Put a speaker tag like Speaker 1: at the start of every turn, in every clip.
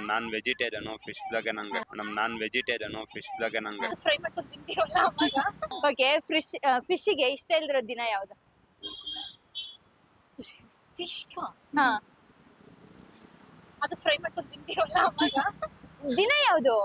Speaker 1: Non vegetarian fish ಬಗ್ಗೆ ನಂಗೆ
Speaker 2: fry ಮಾಡ್ಕೊಂಡು ತಿಂತೀವಲ್ಲ ಅವಾಗ.
Speaker 3: ಓಕೆ, ಫಿಶ್ಗೆ ಇಷ್ಟ ಇಲ್ದಿರೋ ದಿನ ಯಾವ್ದು?
Speaker 2: ಫಿಶ್
Speaker 3: ಹಾ,
Speaker 2: ಅದು ಫ್ರೈ ಮಾಡ್ಕೊಂಡು ತಿಂತೀವಲ್ಲ ಅವಾಗ.
Speaker 3: ದಿನ ಯಾವ್ದು?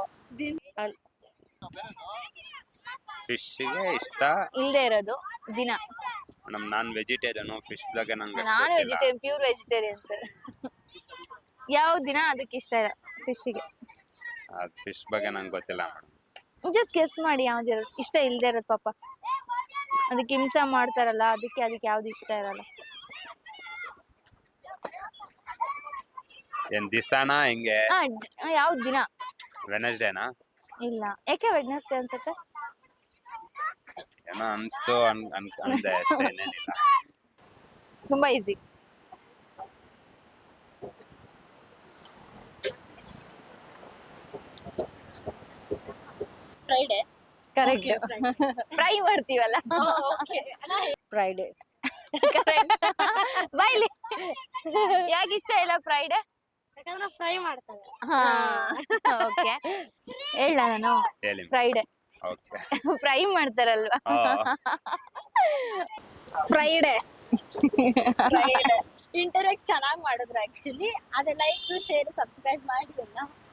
Speaker 1: ಫಿಶ್ಗೆ ಇಷ್ಟ
Speaker 3: ಇಲ್ದೇ ಇರೋದು ದಿನ.
Speaker 1: ನಾನ್ ವೆಜಿಟೇರಿಯನ್ ಫಿಶ್ ಬಗ್ಗೆ ನಂಗೆ
Speaker 3: ನಾನು ವೆಜಿಟೇರಿಯನ್, ಪ್ಯೂರ್ ವೆಜಿಟೇರಿಯನ್ ಸರ್. ಯಾವ ದಿನ ಅದಕ್ಕೆ ಇಷ್ಟ ಇಲ್ಲ ಫಿಶ್ಗೆ?
Speaker 1: ಫಿಶ್ ಬಗ್ಗೆ ನಂಗೆ ಗೊತ್ತಿಲ್ಲ ಮೇಡಮ್.
Speaker 3: ಜಸ್ಟ್ ಗೆಸ್ ಮಾಡಿ ಯಾವ್ದು ಇಷ್ಟ ಇಲ್ದೇ ಇರೋದು. ಪಾಪ ಅದಕ್ಕೆ ಹಿಂಸೆ ಮಾಡ್ತಾರಲ್ಲ, ಅದಕ್ಕೆ ಯಾವ್ದು ಇಷ್ಟ ಇರಲ್ಲ.
Speaker 1: ಏನ್ ದಿಸಾನ ಹಿಂಗೆ?
Speaker 3: ಯಾವ್ದು ದಿನ?
Speaker 1: ವೆನಸ್ಡೇನಾ?
Speaker 3: ಇಲ್ಲ, ಯಾಕೆ ವೆಡ್ನೆಸ್ಡೇ ಅನ್ಸುತ್ತೆ?
Speaker 1: ಏನೋ ಅನ್ಸ್ತು ಅಂದೆ ಅಷ್ಟೇ, ಏನೇನಿಲ್ಲ.
Speaker 3: ತುಂಬಾ ಈಸಿ.
Speaker 2: ಫ್ರೈಡೆ.
Speaker 3: ಕರೆಕ್ಟ್. ಫ್ರೈ ಮಾಡ್ತೀವಲ್ಲ,
Speaker 2: ಫ್ರೈಡೆ.
Speaker 3: ಬೈಲಿ. ಯಾಕೆ ಇಷ್ಟ ಇಲ್ಲ ಫ್ರೈಡೆ?
Speaker 2: ಯಾಕಂದ್ರೆ ಫ್ರೈ ಮಾಡ್ತಾರೆ.
Speaker 3: ಹಾ, ಓಕೆ. ಹೇಳ ನಾನು
Speaker 1: ಹೇಳಿ.
Speaker 3: Friday
Speaker 1: okay.
Speaker 3: ಫ್ರೈ ಮಾಡ್ತಾರಲ್ವಾ,
Speaker 2: ಫ್ರೈಡೆ. ಇಂಟರಾಕ್ಟ್ ಚೆನ್ನಾಗಿ ಮಾಡಿದ್ರು ಆಕ್ಚುಲಿ. ಅದೇ ಲೈಕ್, ಶೇರ್, ಸಬ್ಸ್ಕ್ರೈಬ್ ಮಾಡಿ ಎಲ್ಲ.